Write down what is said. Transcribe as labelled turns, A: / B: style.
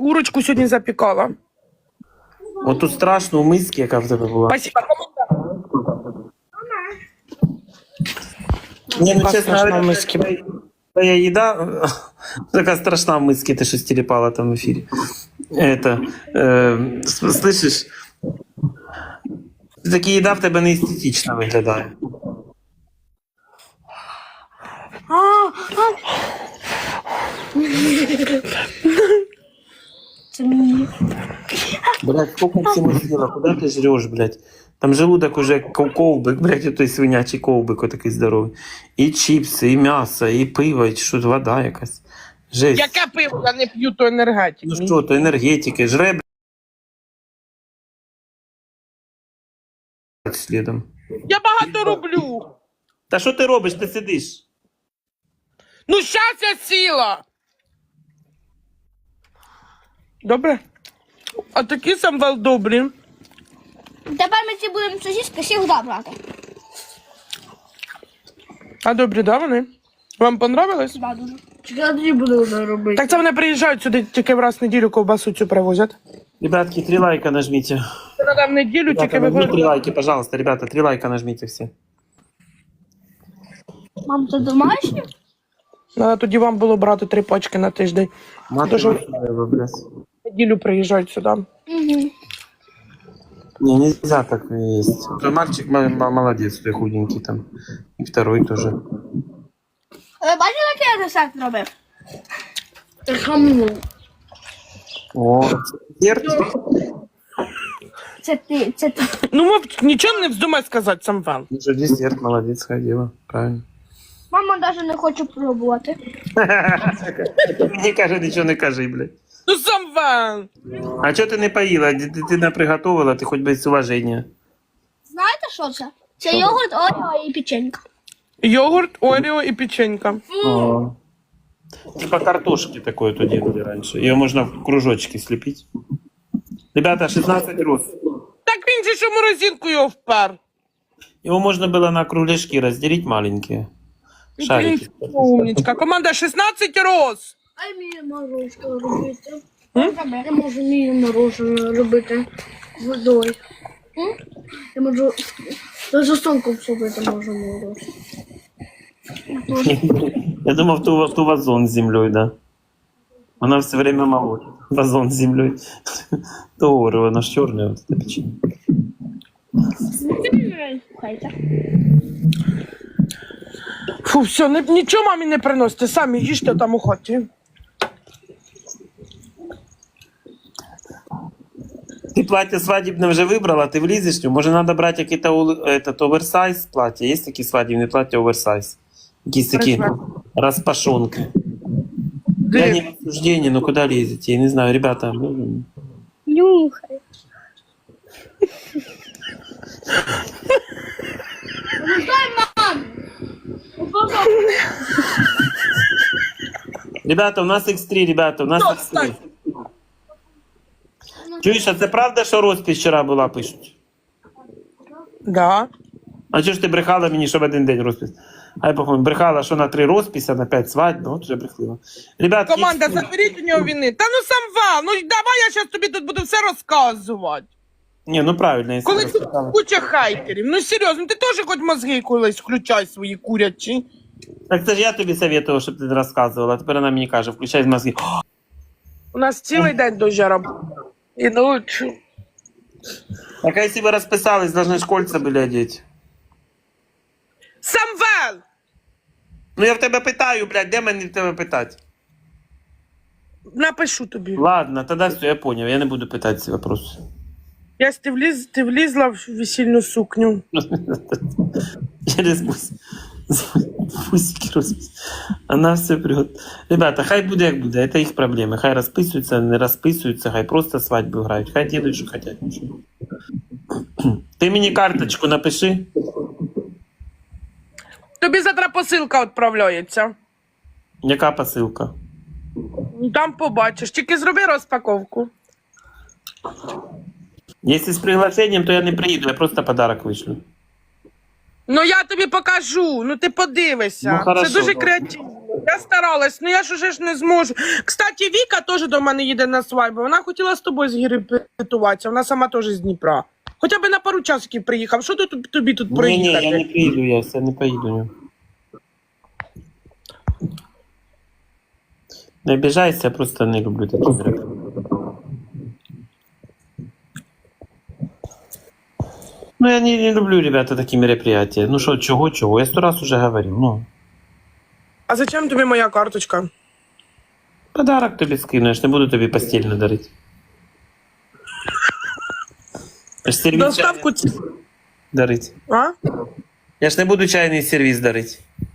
A: курочку сьогодні запікала.
B: От тут страшно у мисці, яка в тебе була.
A: Спасибо.
B: Ні, ну
A: Яка
B: чесно,
A: страшна
B: говоря,
A: в мисці.
B: твоя їда така страшна в мисці, ти щось тіліпала там в ефірі. Слышиш? Така їда в тебе не естетично виглядає. Блядь, сколько всего съела, куда ты жрешь, блядь? Там желудок уже ковбик, блядь, той свинячий ковбик отакий здоровий. І чіпси, і м'ясо, і пиво, і що, вода якась. Жесть.
A: Яке пиво? Я не п'ю, то енергетик.
B: Ну що, то енергетики, жре, блядь, слідом.
A: Я багато роблю.
B: Та що ти робиш, ти сидиш?
A: Ну, щас я сіла. Добре? А такі самвел добрі.
C: Тепер ми ці будемо сосиски завжди брати.
A: А добрі, да, вони? Вам понравилось?
C: Да, дуже.
D: Я тоді буду вже робити.
A: Так це вони приїжджають сюди тільки раз в неділю ковбасу цю привозять.
B: Ребятки, 3 лайка нажмите.
A: Це треба в неділю тільки
B: Ребята, нажмите 3
A: виходить.
B: лайки, пожалуйста, ребята, 3 лайка нажмите все.
C: Мам, це домашнє?
A: Треба тоді вам було брати 3 пачки на тиждень.
B: Мати
A: Дуже-
B: ви, блядь.
A: В неділю приїжджають сюди.
C: Угу.
B: Не, нельзя так есть. Твой мальчик молодец, той худенький там. И второй тоже.
C: Ви бачили, який я десерт робив?
D: Хаму.
B: О, десерт?
C: Це ти.
A: Ну, мов, нічого не вздумай сказати, самвел.
B: Уже десерт, молодец, ходила. Правильно.
C: Мама навіть не хоче пробувати.
B: Мені каже, нічого не кажи, блядь.
A: Ну, самвел!
B: А чого ти не поїла? Ти не приготувала, ти хоч без уваження.
C: Знаєте, що це? Це йогурт, орео і печенька.
A: Йогурт, орео і печенька.
B: О. Типа картошки такое то делали раньше. Ее можно в кружочки слепить. Ребята, 16 роз.
A: Так він же що морозинку його впер.
B: Его можно было на кругляшки разделить маленькие. Шарики.
A: Умничка. Команда 16 роз.
D: А мені морозко робити.
C: М?
D: Я можу мені мороженое робити водою. Я можу за сонком зробити можу морозиво.
B: Я думал, ту вазон с землей, да. Она все время молотит. Вазон с землей. То орео, оно ж черное, вот это печенье.
C: Слухайте.
A: Фу, все, нічого мамі не приносите, самі їжте там у хаті.
B: Ты платье свадебное уже выбрала, ты влезешь в него? Может, надо брать какие-то этот оверсайз платья? Есть такие свадебные платья оверсайз? Какие-то такие распашонки. Я не в осуждении, но куда лезете? Я не знаю, ребята.
C: Нюхай.
B: Ребята, у нас X3, ребята, у нас
A: Ну,
B: X3.
A: встань.
B: Чуєш, а це правда, що розпись вчора була, пишуть?
A: Да.
B: А чого ж ти брехала мені, що в один день розпис? А я по-моєму, брехала, що на 3 розписи, на 5 свадьб, ну от вже брехлива. Ребят,
A: Команда, заберіть у нього вини. Та ну самвел, ну давай я зараз тобі тут буду все розказувати.
B: Ні, ну правильно, якщо
A: Коли тут
B: розписала.
A: куча хайтерів. Ну серйозно, ти теж хоч мозги колись включай свої курячі.
B: Так це ж я тобі советував, щоб ти не розказувала, а тепер вона мені каже, включай мозги.
A: У нас цілий день дуже роботи. І ночі.
B: Так а якщо ви розписались, должны ж кольца були одіти.
A: Самвел!
B: Ну я в тебе питаю, блядь, де мені в тебе питати?
A: Напишу тобі.
B: Ладно, тоді все, я понял, я не буду питати ці вопроси.
A: Ясь, ти влізла в весільну сукню.
B: Через бусики розпис. Она все прет. Ребята, хай буде як буде, это їх проблеми. Хай розписуються, не розписуються, хай просто свадьбу грають. Хай делают, що хотять. Ти мені карточку напиши.
A: Тобі завтра посилка відправляється.
B: Яка посилка?
A: Там побачиш. Тільки зроби розпаковку.
B: Якщо з приглашенням, то я не приїду, я просто подарок вишлю.
A: Ну я тобі покажу, ну ти подивишся.
B: Ну, хорошо,
A: Це дуже
B: добре.
A: креативно. Я старалась, ну я ж уже ж не зможу. Кстати, Віка теж до мене їде на свадьбу. Вона хотіла з тобою згірепетуватися, вона сама теж з Дніпра. Хоча б на пару часиків приїхав. Що тобі тут
B: Ні,
A: проїхати?
B: я не приїду, я все не поїду. Не обіжайся, я просто не люблю такі мероприятия. Ну, я не люблю, ребята, такі мероприятия. Ну що, чого? Я 100 раз уже говорил, ну.
A: А зачем тобі моя карточка?
B: Подарок тобі скину, я ж не буду тобі постільно дарити. Я ж сервіс
A: Доставку
B: дарить.
A: А?
B: Я ж не буду чайний сервіс дарити.